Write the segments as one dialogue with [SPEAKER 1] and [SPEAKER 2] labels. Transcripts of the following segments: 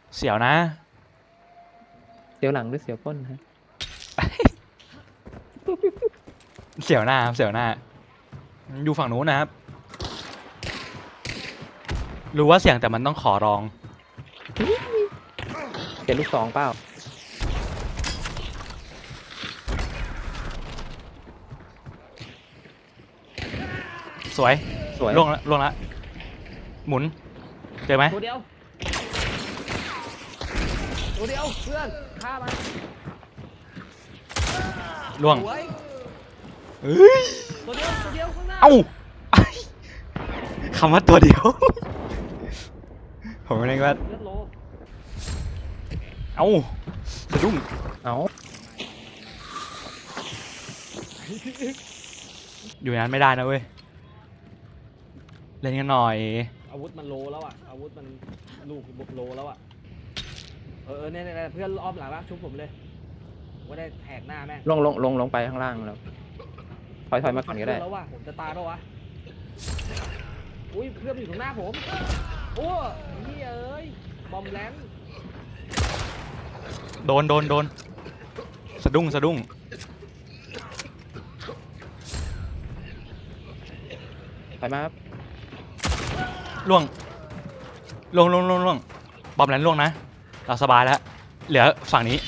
[SPEAKER 1] เสียวนะ
[SPEAKER 2] เสียวหลังหรือเสียวก้นฮะ
[SPEAKER 1] เสียวหน้าครับเสียวหน้า อยู่ฝั่งนู้นนะครับ รู้ว่าเสียงแต่มันต้องขอร้อง
[SPEAKER 2] เสียลูกสองเปล่า
[SPEAKER 1] สวย
[SPEAKER 2] สวย
[SPEAKER 1] ล่วงละล่วงละหมุน เจอไหม
[SPEAKER 3] ตัวเดียวเพื่อนฆ่ามัน
[SPEAKER 1] ล่วง
[SPEAKER 3] สวย
[SPEAKER 1] เฮ้ย
[SPEAKER 3] ตัวเดียวข้างหน้า
[SPEAKER 1] เอ้า คำว่าตัวเดียว ผมไม่ได้ว่า
[SPEAKER 3] เลือดโล
[SPEAKER 1] เอ้าสะดุ้ง
[SPEAKER 2] เอา
[SPEAKER 1] อยู่นั้นไม่ได้นะเว้ย เล่นกันหน่อย
[SPEAKER 3] อาวุธมันโลแล้วอ่ะอาวุธมันลูกโลแล้วอ่ะเนี่ยเพื่อนอ้อมหลังละชุบผมเลยว่าได้แหกหน้าแม่ง
[SPEAKER 2] ลงไปข้างล่างแล้วถอยมาก่อนก็ได้
[SPEAKER 3] แล้วว่ะผมจะตายแล้ววะอุ้ยเพื่อนอยู่ตรงหน้าผมโอ้ยเอ้ยบอมแลนด์
[SPEAKER 1] โดนสะดุ้ง
[SPEAKER 2] ถอยมาครับ
[SPEAKER 1] ล่วงบอมแลนล่วงนะ เราสบายแล้ว เหลือฝั่งนี้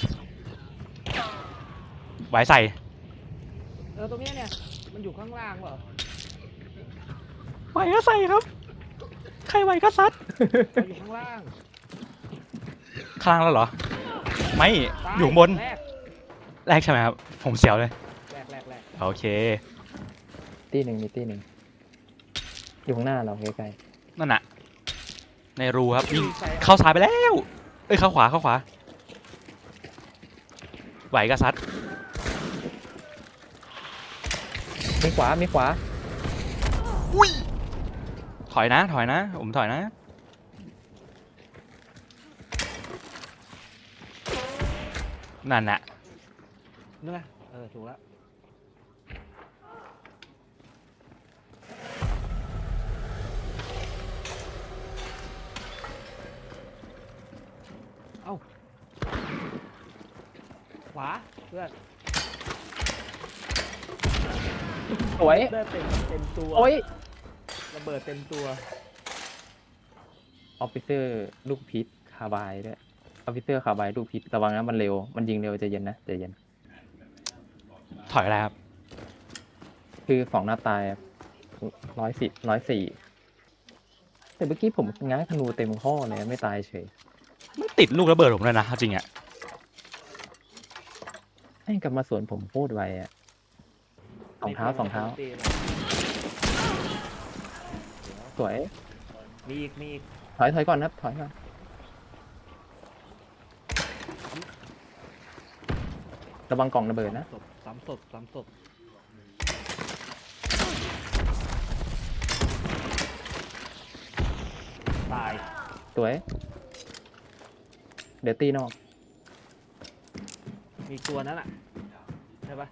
[SPEAKER 1] ไว้ใส่
[SPEAKER 3] ตรงเนี้ยเนี่ยมันอยู่ข้างล่างเหรอ
[SPEAKER 1] ไหวก็ใส่ครับ ใครไหวก็ซัด
[SPEAKER 3] มันอยู่ข้างล่าง
[SPEAKER 1] ข้างล่างแล้วเหรอ ไม่
[SPEAKER 3] ตา
[SPEAKER 1] อยู่ข้างบน
[SPEAKER 3] แรก
[SPEAKER 1] แรกใช่ไหมครับ ผมเสียวเลย
[SPEAKER 3] แรก
[SPEAKER 1] โอเค
[SPEAKER 2] มีตีหนึ่งอยู่ข้างหน้าเราใกล้
[SPEAKER 1] นั่นน่ะ ในรูครับวิ่งเข้าซ้ายไปแล้ว เอ้ยเข้าขวาไหวก็ซัด
[SPEAKER 2] มีขวา
[SPEAKER 1] อุ้ย ถอยนะ ผมถอยนะ นั่นน่ะ
[SPEAKER 3] นั่นไงถูกแล้วเอ้าขวาเพื่อน
[SPEAKER 2] สวย
[SPEAKER 3] เลือดเต็มตัว
[SPEAKER 2] โอ้ย
[SPEAKER 3] ระเบิดเต็มตัว
[SPEAKER 2] ออฟฟิเซอร์ลูกพิษคาบายด้วยออฟฟิเซอร์คาบายลูกพิษระวังนะมันเร็วมันยิงเร็วใจเย็นนะใจเย็น
[SPEAKER 1] ถอยอะไรครับ
[SPEAKER 2] คือสองหน้าตาย104แต่เมื่อกี้ผมง้างธนูเต็มข้อเลยไม่ตายเฉย
[SPEAKER 1] ไม่ติดลูกระเบิดผมเลยนะเอาจริงอะ
[SPEAKER 2] ให้กลับมาสวนผมพูดไว้อะสองเท้าสวย
[SPEAKER 3] มีอีก
[SPEAKER 2] ถอยก่อนครับถอยก่อนระวังกล่องระเบิดนะ
[SPEAKER 3] สามศพตาย
[SPEAKER 2] สวยเดี๋ยวตีนอก
[SPEAKER 3] มีตัวนั้นอ่ะใช่ปะ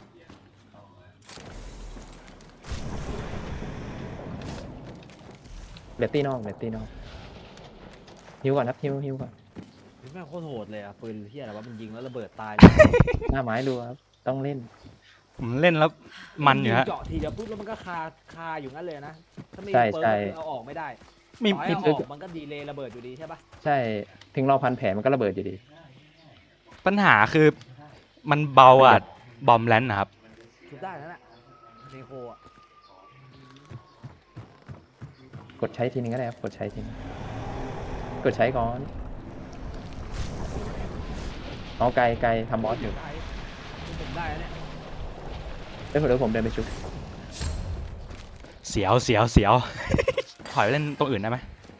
[SPEAKER 2] เดี๋ยวตีนอกฮิวก่อนครับฮิวก่อน
[SPEAKER 3] แม่งโคตรโหดเลยอ่ะปืนเฮียอะไรวะมันยิงแล้วระเบิดตาย
[SPEAKER 2] หน้าไม้ดูครับต้องเล่น
[SPEAKER 1] ผมเล่นแล้วมันอยู่ฮะ
[SPEAKER 3] เจาะทีเดียวปุ๊บแล้วมันก็คาอยู่งั้นเลยนะถ้าไม่
[SPEAKER 2] ใช่
[SPEAKER 3] เปิด
[SPEAKER 2] ใช่
[SPEAKER 3] ก็คือเอาออกไม่ได้
[SPEAKER 1] มี
[SPEAKER 3] ต่อให้เอาออกมันก็ดีเลย์ระเบิดอยู่ดีใช่ปะ
[SPEAKER 2] ใช่ถึงเราพันแผลมันก็ระเบิดอยู่ดี
[SPEAKER 1] ปัญหาคือมันเบาอ่ะบอมแลนนะครับ
[SPEAKER 3] ทุบได้นั่นแหละเนโคอ่ะ
[SPEAKER 2] กดใช้ทีนึงก็ได้ครับกดใช้ทีนึงกดใช้ก่อนเอาไกลทำบอสอยู่
[SPEAKER 3] ได้ผมได้แล้วเนี่ย
[SPEAKER 2] เดี๋ยวผมเดินไปชุบ
[SPEAKER 1] เสียว ถอยไปเล่นตรงอื่นได้ไหม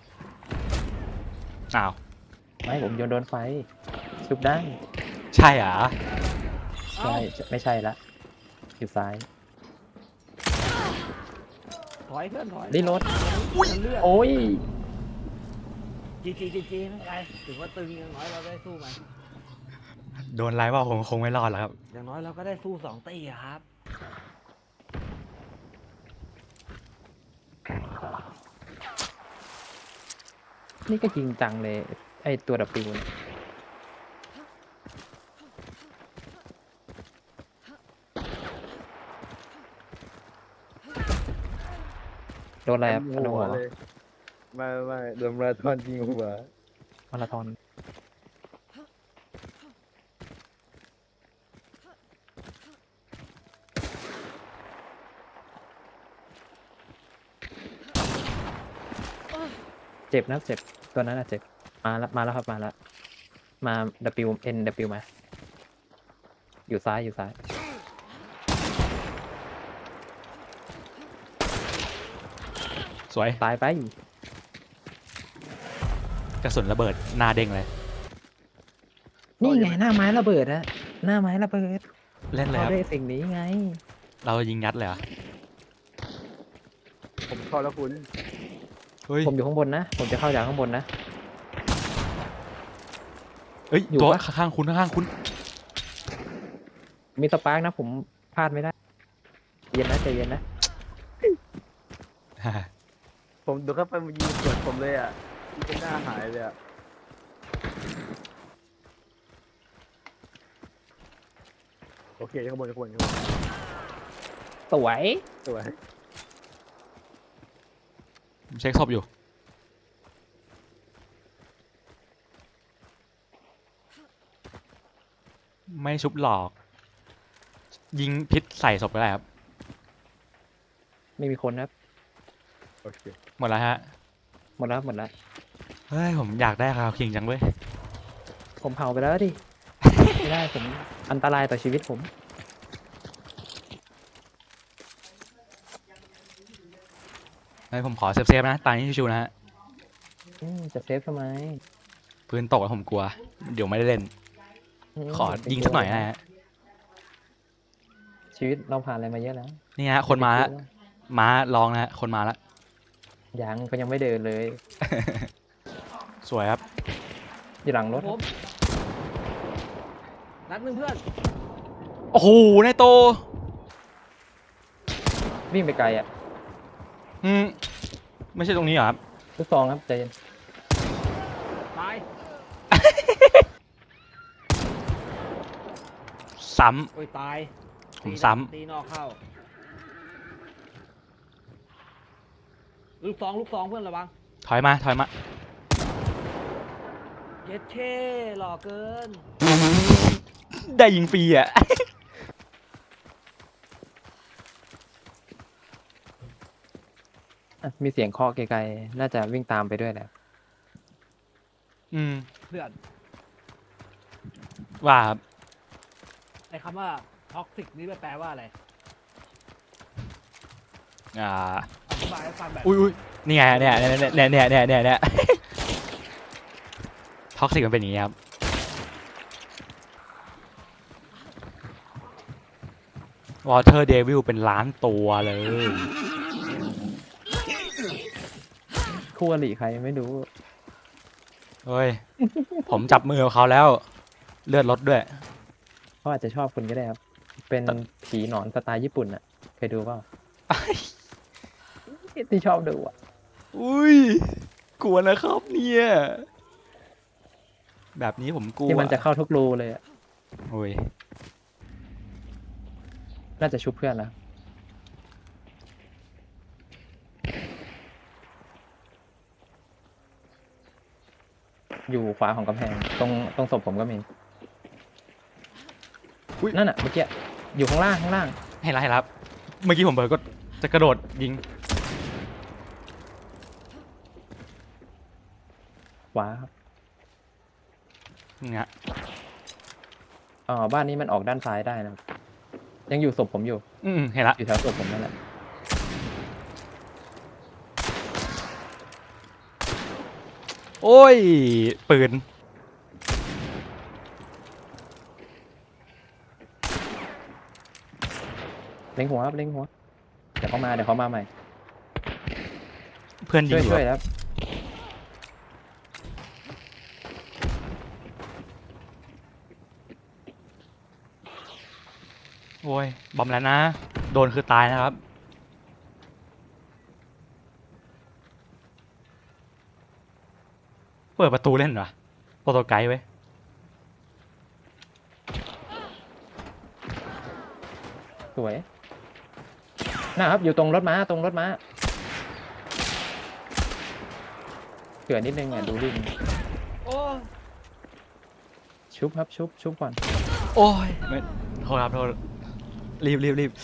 [SPEAKER 1] อ้าว
[SPEAKER 2] ไม่ผมโยนโดนไฟชุบได้
[SPEAKER 1] ใช่เหรอ
[SPEAKER 2] ใช่ไม่ใช่ละอยู่ซ้าย
[SPEAKER 3] ถอยเพื่อนถอย
[SPEAKER 2] รีโหลด
[SPEAKER 3] เลือด
[SPEAKER 2] โอ้ย
[SPEAKER 3] จีไม่เป็นไรถึงว่าตึงอย่างน้อยเราได้สู้มัน
[SPEAKER 1] โดนไล่ว่าผมคงไม่รอดแล้วครับ
[SPEAKER 3] อย่างน้อยเราก็ได้สู้2 ตีอะครับ
[SPEAKER 2] นี่ก็จริงจังเลยไอตัว W เนี่ยโดนอะไรครับพันหัว
[SPEAKER 4] เลยไม่โดนมาราธอนยิงหัว
[SPEAKER 2] มาราธอนเจ็บนะเจ็บตัวนั้นอะเจ็บมาแล้วครับมาแล้วมา W N W มาอยู่ซ้ายอยู่ซ้าย
[SPEAKER 1] สวย
[SPEAKER 2] ตายไป
[SPEAKER 1] กระสุนระเบิดหน้าเด้งเลย
[SPEAKER 2] นี่ไงหน้าไม้ระเบิดอะหน้าไม้ระเบิด
[SPEAKER 1] เล่นเลย
[SPEAKER 2] เขา
[SPEAKER 1] ครับ
[SPEAKER 2] ได้สิ่งนี้ไง
[SPEAKER 1] เรายิงยัดเลยเหรอ
[SPEAKER 4] ผมเข้าแล้วคุณ
[SPEAKER 1] เฮ้ย
[SPEAKER 2] ผมอยู่ข้างบนนะผมจะเข้าจากข้างบนนะ
[SPEAKER 1] เอ้ย
[SPEAKER 2] อยู่
[SPEAKER 1] ตัว
[SPEAKER 2] ปะ
[SPEAKER 1] ข้างๆคุณข้างๆคุณ
[SPEAKER 2] มีสปาร์กนะผมพลาดไม่ได้เย็นนะใจเย็นนะ
[SPEAKER 4] ผมดูเข้าไปมันยิงสวนผมเลยอ่ะยิงจนหน้าหายเลยอ่ะโอเคข้างบนข้างบนข้างบน
[SPEAKER 2] สวย
[SPEAKER 4] สวย
[SPEAKER 1] ผมเช็คศพอยู่ ไม่ชุบหลอก ยิงพิษใส่ศพก็ได้ครับ
[SPEAKER 2] ไม่มีคนครับ
[SPEAKER 4] โอเค
[SPEAKER 1] หมดแล้วฮะ
[SPEAKER 2] หมดแล้วหมดแล้ว
[SPEAKER 1] เฮ้ย ผมอยากได้คาวคิงจังเว้ย
[SPEAKER 2] ผมเผาไปแล้วดิ ไม่ได้ผมอันตรายต่อชีวิตผม
[SPEAKER 1] เฮ้ยผมขอเซฟๆนะ ตายนี้ชิวๆนะฮะ
[SPEAKER 2] จะเซฟทำไม
[SPEAKER 1] ปืนตกแล้วผมกลัว เดี๋ยวไม่ได้เล่น ขอยิงสักหน่อยนะฮะ
[SPEAKER 2] ชีวิตเราผ่านอะไรมาเยอะแล้ว
[SPEAKER 1] นี่ฮะ คนมาแล้วม้าลองนะฮะ คนมาแล้ว
[SPEAKER 2] ยังก็ยังไม่เดินเลย
[SPEAKER 1] สวยครับ
[SPEAKER 2] อยู่หลังรถ
[SPEAKER 3] ผมนัดหนึ่งเพื่อน
[SPEAKER 1] โอ้โหนายโต
[SPEAKER 2] วิ่งไปไกลอ่ะ
[SPEAKER 1] ไม่ใช่ตรงนี้เหรอครับ
[SPEAKER 2] ลูกซองครับใจเย็น
[SPEAKER 3] ตาย
[SPEAKER 1] ซ้
[SPEAKER 3] โอ้ยตาย
[SPEAKER 1] ผม
[SPEAKER 3] ตี
[SPEAKER 1] ซ้ำ
[SPEAKER 3] ตีนอกเข้า ลูกสองเพื่อนระวัง
[SPEAKER 1] ำถอยมาถอยมา
[SPEAKER 3] เย็ดเช่หล่อเกิน
[SPEAKER 1] ได้ยิงฟรีอ่ะ
[SPEAKER 2] อ่ะมีเสียงเคาะไกลๆน่าจะวิ่งตามไปด้วยแหละ
[SPEAKER 1] อืม
[SPEAKER 3] เพื่อน
[SPEAKER 1] ว่าครับ
[SPEAKER 3] ไอ้คำว่าท็อกซิกนี่แปลว่าอะไร
[SPEAKER 1] อ่า
[SPEAKER 3] อธิบายให้ฟังแบบ
[SPEAKER 1] อุ้ยนี่ไงเนี่ยท็อกซิกมันเป็นอย่างนี้ครับ Water Devil เป็นล้านตัวเลย
[SPEAKER 2] คู่อริใครไม่รู้
[SPEAKER 1] เฮ้ย ผมจับมือกับเขาแล้ว เลือดลดด้วย
[SPEAKER 2] เขาอาจจะชอบคุณก็ได้ครับ เป็นผีหนอนสไตล์ญี่ปุ่นอ่ะ เคยดูเปล่าที่ชอบดูอ่ะ
[SPEAKER 1] อุ้ย กลัวนะครับเนี่ย แบบนี้ผมกลัว
[SPEAKER 2] ที่มันจะเข้าทุกรูเลยอ่ะ
[SPEAKER 1] โอ้ย
[SPEAKER 2] น่าจะชุบเพื่อนนะอยู่ขวาของกำแพงตรงศพผมก็มี
[SPEAKER 1] อุ๊ย
[SPEAKER 2] นั่นอ่ะเมื่อกี้อยู่ข้างล่างข้างล่าง
[SPEAKER 1] ให้รับให้รับ เมื่อกี้ผมเบิร์ก็จะกระโดดยิง
[SPEAKER 2] ขวาครับ
[SPEAKER 1] นี่ฮะ
[SPEAKER 2] บ้านนี้มันออกด้านซ้ายได้นะครับยังอยู่ศพผมอยู่
[SPEAKER 1] เห็นละ
[SPEAKER 2] อยู่แถวศพผมนั่นแหละ
[SPEAKER 1] โอ้ย ปืน
[SPEAKER 2] เล็งหัวครับเล็งหัวเดี๋ยวเขามาใหม่
[SPEAKER 1] เพื่อนยิง
[SPEAKER 2] ช่วย
[SPEAKER 1] อยู่
[SPEAKER 2] ครับ
[SPEAKER 1] โอ้ย บอมแล้วนะ โดนคือตายนะครับ เปิดประตูเล่นเหรอโปรโตไกด์ไว้ย
[SPEAKER 2] สวยนะครับอยู่ตรงรถม้าตรงรถม้าเกิดนิดนึงอ่ะดูดิ
[SPEAKER 3] โอ้
[SPEAKER 2] ชุบครับชุบก่อน
[SPEAKER 1] โอ้ยไม่โทษครับโทษรีบ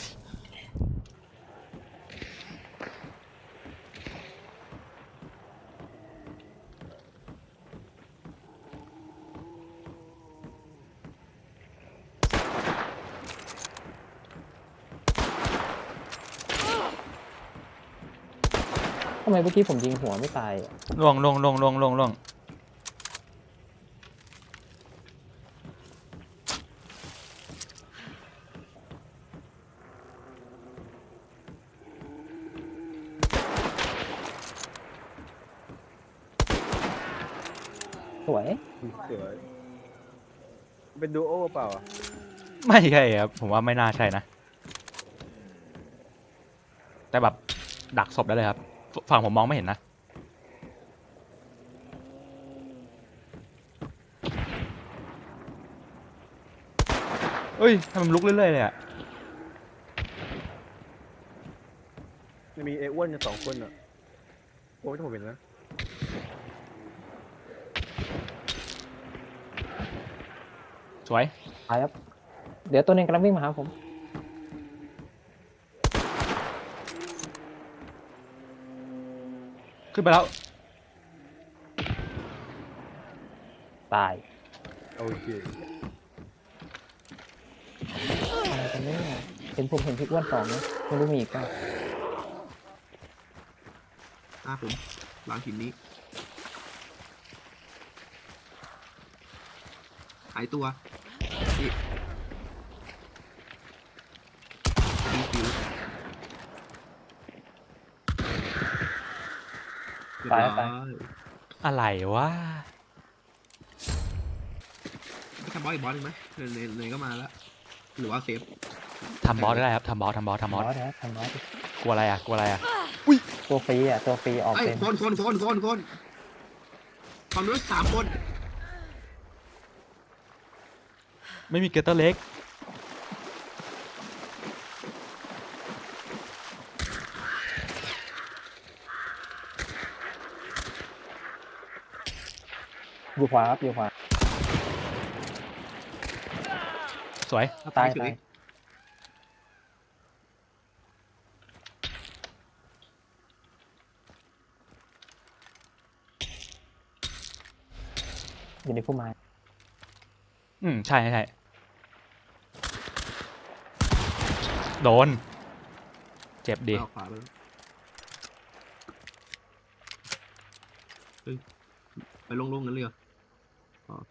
[SPEAKER 2] ทำไมเมื่อกี้ผมยิงหัวไม่ตายอะ
[SPEAKER 1] ล่วง
[SPEAKER 2] สวย
[SPEAKER 4] สวยเป็นดูโอเปล่าอะ
[SPEAKER 1] ไม่ใช่ครับผมว่าไม่น่าใช่นะ แต่แบบดักศพได้เลยครับฝั่งผมมองไม่เห็นนะเอ้ยทำไมมันลุกเรื่อยๆเลยอะ
[SPEAKER 4] มันมีไอ้อ้วนกัน2 คนอ่ะโอ้ยผมเห็นนะ
[SPEAKER 1] สวย
[SPEAKER 2] ตายครับเดี๋ยวตัวหนึงกำลังวิ่งมาหาผม
[SPEAKER 1] ขึ้นไปแล้ว
[SPEAKER 2] ตาย
[SPEAKER 4] โอเค
[SPEAKER 2] อะไรกันเนี่ยเห็นผมเห็นพี่อ้วนสองนะไม่รู้มีอีกเปล่า
[SPEAKER 5] ผมหลังหินนี้หายตัวนี่ดีฟิวเรียบร้อย
[SPEAKER 1] อะไรวะ
[SPEAKER 5] ไม่ทำบอสอีกบอสหนึ่งไหมเลยก็มาแล้ว หรือว่าเซฟ
[SPEAKER 1] ทำบอสได้ครับทำบอส
[SPEAKER 2] ทำบอสนะทำบอส
[SPEAKER 1] กลัวอะไรอะ
[SPEAKER 2] ตัวฟรีอ่ะตัวฟรีออก
[SPEAKER 5] เอ้ย
[SPEAKER 2] เป็น
[SPEAKER 5] คนความรู้3 คน
[SPEAKER 1] ไม่มีเกเตอร์เล็ก
[SPEAKER 2] อยู่ขวาครับอยู่ขวา
[SPEAKER 1] สวย
[SPEAKER 2] ตาย
[SPEAKER 5] เฉ
[SPEAKER 2] ตาย
[SPEAKER 5] ย
[SPEAKER 2] อยู่ในพุ่มไม้
[SPEAKER 1] ใช่โดน เจ็บดิ
[SPEAKER 5] เอาขวาไปแล้วเฮ้ยไปลงๆกันเลยเหรออ๋อ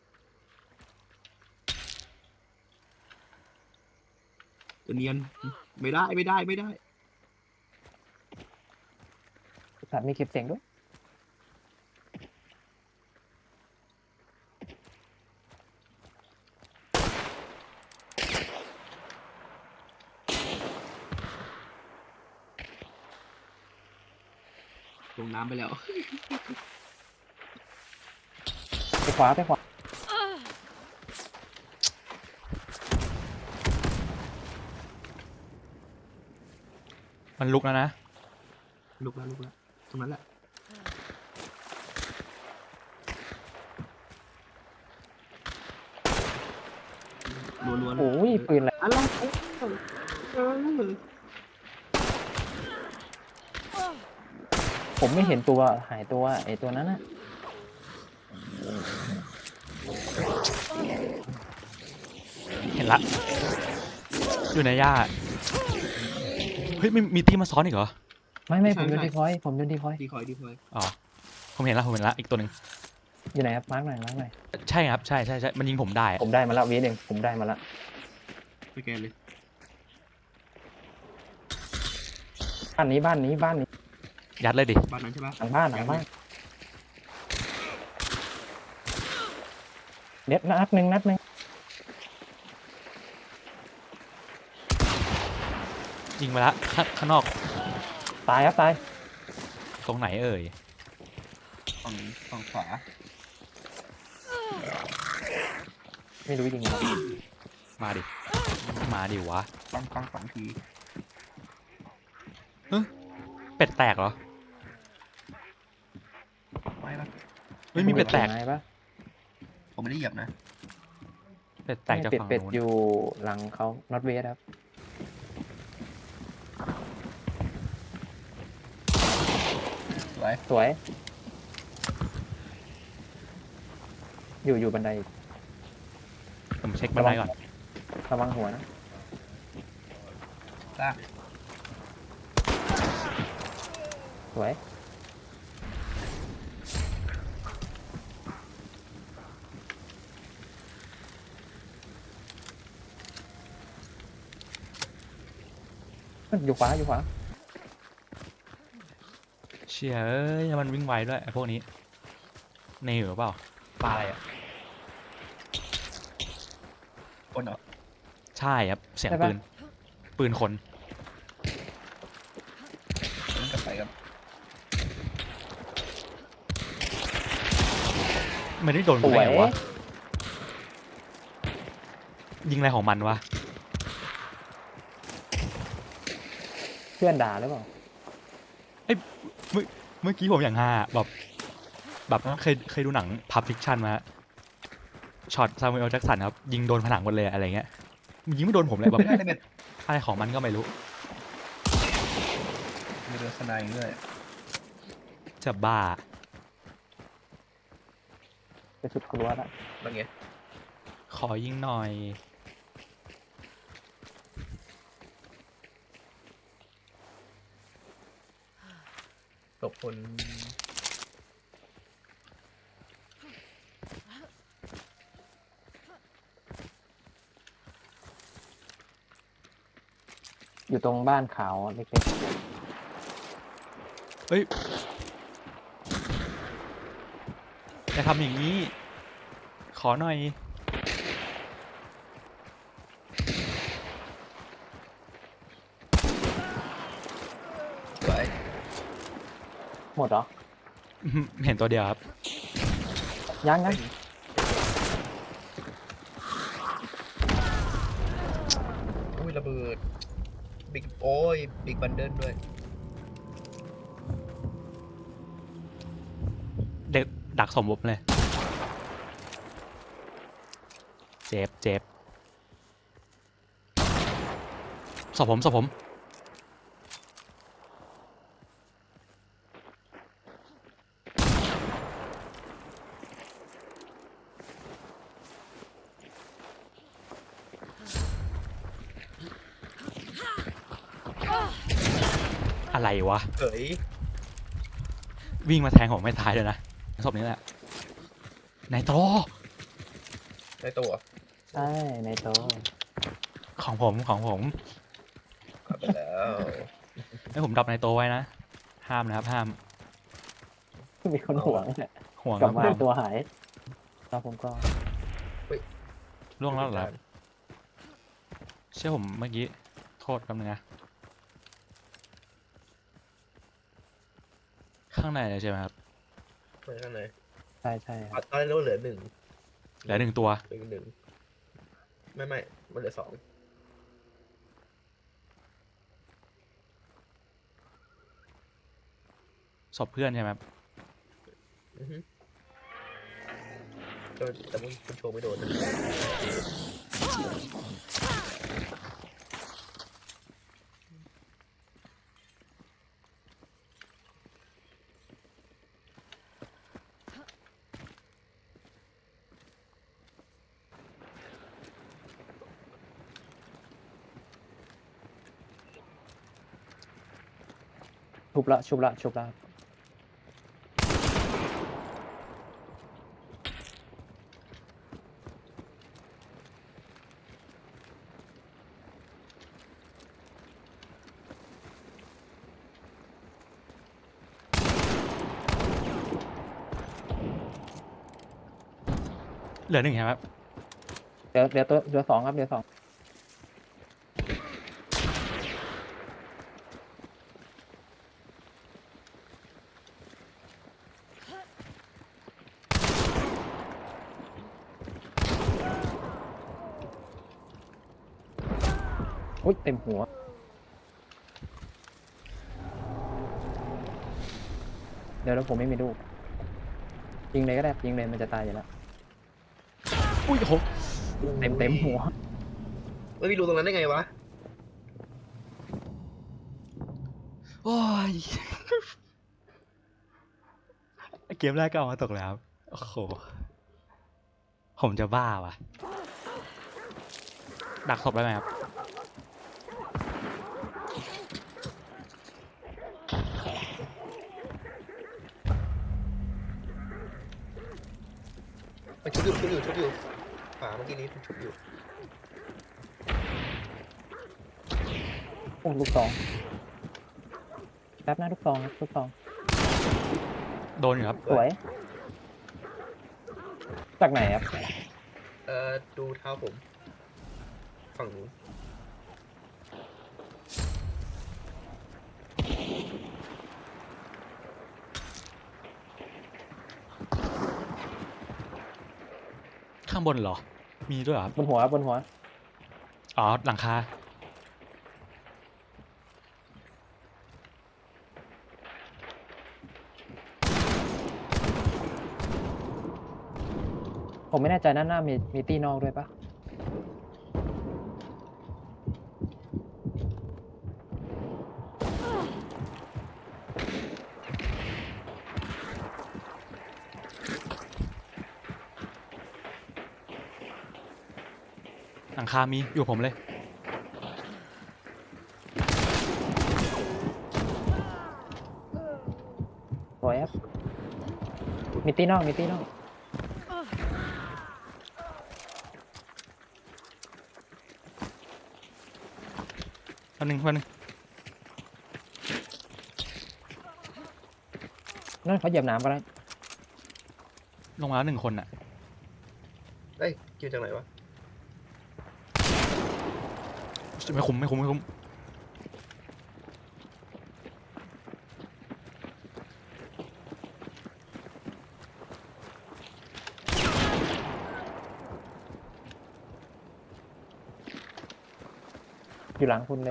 [SPEAKER 5] จะเนียนไม่ได้
[SPEAKER 2] สัตว์มีเก็บเสียงด้วย
[SPEAKER 5] ลงน้ำไปแล้ว
[SPEAKER 2] ไปขวาไปขวา
[SPEAKER 1] มันลุกแล้วนะ
[SPEAKER 5] ลุกแล้วตรงนั้นแหละรัวๆ
[SPEAKER 2] โอ้ยปืนอะไร
[SPEAKER 5] อะไรเออ
[SPEAKER 2] ผมไม่เห็นตัวหายตัวไอ้ตัวนั้นน่ะ
[SPEAKER 1] เห็นละ อยู่ในหญ้า เฮ้ยมีตีมาซ้อนอีกเหรอ
[SPEAKER 2] ไม่ผมโยนดีพอยผมโยนดีพอย
[SPEAKER 5] ดีคอย
[SPEAKER 1] อ๋อ ผมเห็นละอีกตัวหนึ่ง
[SPEAKER 2] อยู่ไหนครับมาร์กหน่อย
[SPEAKER 1] ใช่ครับ ใช่ มันยิงผมได้อะ
[SPEAKER 2] ผมได้มาแล้ววีหนึ่งผมได้มาแล้ว
[SPEAKER 5] สแกนเลย
[SPEAKER 2] บ้านนี้
[SPEAKER 1] ยัดเลยดิ
[SPEAKER 5] บ้านนั้นใช่ปะ
[SPEAKER 2] หลังบ้านเด็ดนัดหนึ่ง
[SPEAKER 1] ยิงไปละข้างนอก
[SPEAKER 2] ตายครับตาย
[SPEAKER 1] ตรงไหนเอ่ย
[SPEAKER 5] ฝั่งขวา
[SPEAKER 2] ไม่รู้จริงๆ
[SPEAKER 1] มาดิ มาดิวะ
[SPEAKER 5] ปังปัง2 ที
[SPEAKER 1] เป็ดแตกเหรอ
[SPEAKER 5] ไม่ปะ
[SPEAKER 1] ไม่มีเป็ดแตก
[SPEAKER 2] ไม้ปะ
[SPEAKER 5] ผมไม่ได้เหยียบนะ
[SPEAKER 1] เป็ดแตกจากฝั่ง
[SPEAKER 2] เป็ด
[SPEAKER 1] นู้น
[SPEAKER 2] อยู่หลังเขานอตเวสครับ
[SPEAKER 5] สวย
[SPEAKER 2] สวย อยู่บันไดอีก
[SPEAKER 1] ผมเช็คบันไดก่อน
[SPEAKER 2] ระวังหัวนะ
[SPEAKER 5] ลาก
[SPEAKER 2] สวยอยู่ขวาอยู่ขวา
[SPEAKER 1] เชี่ยเอ้ยมันวิ่งไวด้วยไอ้พวกนี้ในเหรอเปล่าปลาอะไรอ่ะ
[SPEAKER 5] คนเหรอ
[SPEAKER 1] ใช่ครับ เสียงปืน ปืนคน
[SPEAKER 5] มันกลับไปครับ
[SPEAKER 1] ไม่ได้โดน
[SPEAKER 2] ส
[SPEAKER 1] กู
[SPEAKER 2] ว
[SPEAKER 1] ได้
[SPEAKER 2] ย
[SPEAKER 1] ไงวะ ยิงอะไรของมันวะ
[SPEAKER 2] เพื่อนด่าหรือเปล่า
[SPEAKER 1] เมื่อกี้ผมอย่างฮาแบบเคยดูหนัง Pulp Fiction มาฮะช็อตซามูเอลแจ็คสันครับ ยิงโดนผนังหมดเลยอะไรเงี้ยมันยิงไม่โดนผมเลยแบบ
[SPEAKER 5] ไม่ได้เลยเบ็ด
[SPEAKER 1] อะไรของมันก็ไม่รู้
[SPEAKER 5] มีเรือสไนด์ด้วย
[SPEAKER 1] จะบ้า
[SPEAKER 2] ไปสุดครัวละ
[SPEAKER 5] เป็นไง
[SPEAKER 1] ขอยิงหน่อย
[SPEAKER 5] ตกคน
[SPEAKER 2] อยู่ตรงบ้านขาวเล็ก
[SPEAKER 1] เฮ้ยอย่าทำอย่างนี้ ขอหน่อย
[SPEAKER 5] สวย
[SPEAKER 2] ๆหมดเหรอ
[SPEAKER 1] เห็นตัวเดียวครับ
[SPEAKER 2] ยัง
[SPEAKER 5] อุ้ยระเบิดบิ๊กโอ้ยบิ๊กบันเดิลด้วย
[SPEAKER 1] เด็กดักสมบุบเลย เจ็บสอบผม อะไรวะ
[SPEAKER 5] เฮ้ย
[SPEAKER 1] วิ่งมาแทงผมไม่ตายเลยนะศพนี้แหละนายโต
[SPEAKER 5] ได้ตัว
[SPEAKER 2] ใช่ในโตะ
[SPEAKER 1] ของผม
[SPEAKER 5] กลับไปแล้ว
[SPEAKER 1] ให้ผมดับนายโตไว้นะ ห้ามนะครับ ห้าม
[SPEAKER 2] มีคนห่วงเนี่ย
[SPEAKER 1] ห่วง
[SPEAKER 2] กลับมา
[SPEAKER 1] ครับ
[SPEAKER 2] ตัวหายแล้วผมก็
[SPEAKER 1] ล่วงแล้วเหรอ เชื่อผมเมื่อกี้ โทษคำนึงนะ ข้างในเลยใช่ไหมครับ
[SPEAKER 5] ไปข้างใน
[SPEAKER 2] ใช่ครับ
[SPEAKER 5] ตอนนี้เราเหลือ 1
[SPEAKER 1] เหลือ1 ตัว
[SPEAKER 5] เหลือ1ไม่มันเหลือ 2
[SPEAKER 1] ศพเพื่อนใช่ไหมครับ
[SPEAKER 5] อือฮึแต่มึงคุณโชว์ไม่โดนนะ
[SPEAKER 2] ชุบละ
[SPEAKER 1] เหลือ1ใช่ไหมครับ
[SPEAKER 2] เดี๋ยวสองครับเดี๋ยวสองอุ้ยเต็มหัว เดี๋ยวผมไม่มีลูกยิงเลยก็ได้ยิงเลยมันจะตายอยู่แล้ว
[SPEAKER 1] อุ้ยโห
[SPEAKER 2] เต็มหัว
[SPEAKER 5] ไม่มีรูตรงนั้นได้ไงวะ
[SPEAKER 1] โอ้ย เกมแรกก็เอามาตกแล้วโอ้โหผมจะบ้าว่ะดักศพได้ไหมครับ
[SPEAKER 5] มันชุบอยู่ฝาเมื่อกี้นี้มันชุบอยู่
[SPEAKER 2] โอ้ลูกซองแป๊บนะลูกซองครับลูกซอง
[SPEAKER 1] โดนอยู่ครับ
[SPEAKER 2] สวย จากไหนครับ
[SPEAKER 5] ดูเท้าผม ฝั่งนู้น
[SPEAKER 1] ข้างบนเหรอ มีด้วยเหรอครับ
[SPEAKER 2] บนหัวบนหัว
[SPEAKER 1] อ๋อหลังคา
[SPEAKER 2] ผมไม่แน่ใจด้านหน้ามีตีนอกด้วยปะ
[SPEAKER 1] หลังคามีอยู่กับผมเลย
[SPEAKER 2] สวยครับ มีตีนอกมีตีนอก
[SPEAKER 1] วันหนึ่ง
[SPEAKER 2] นั่นเขาเหยียบน้ำก็ได้
[SPEAKER 1] ลงมาแล้ว1 คนอ่ะ
[SPEAKER 5] เอ้ยคิวจากไหนวะ
[SPEAKER 1] ไม่คุ้ม
[SPEAKER 2] อยู่หลังคุณเลย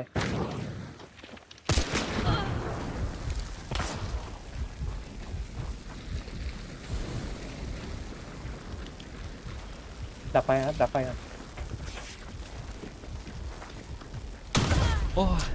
[SPEAKER 2] ดับไฟครับ ดับไฟครับ
[SPEAKER 1] โอ้ย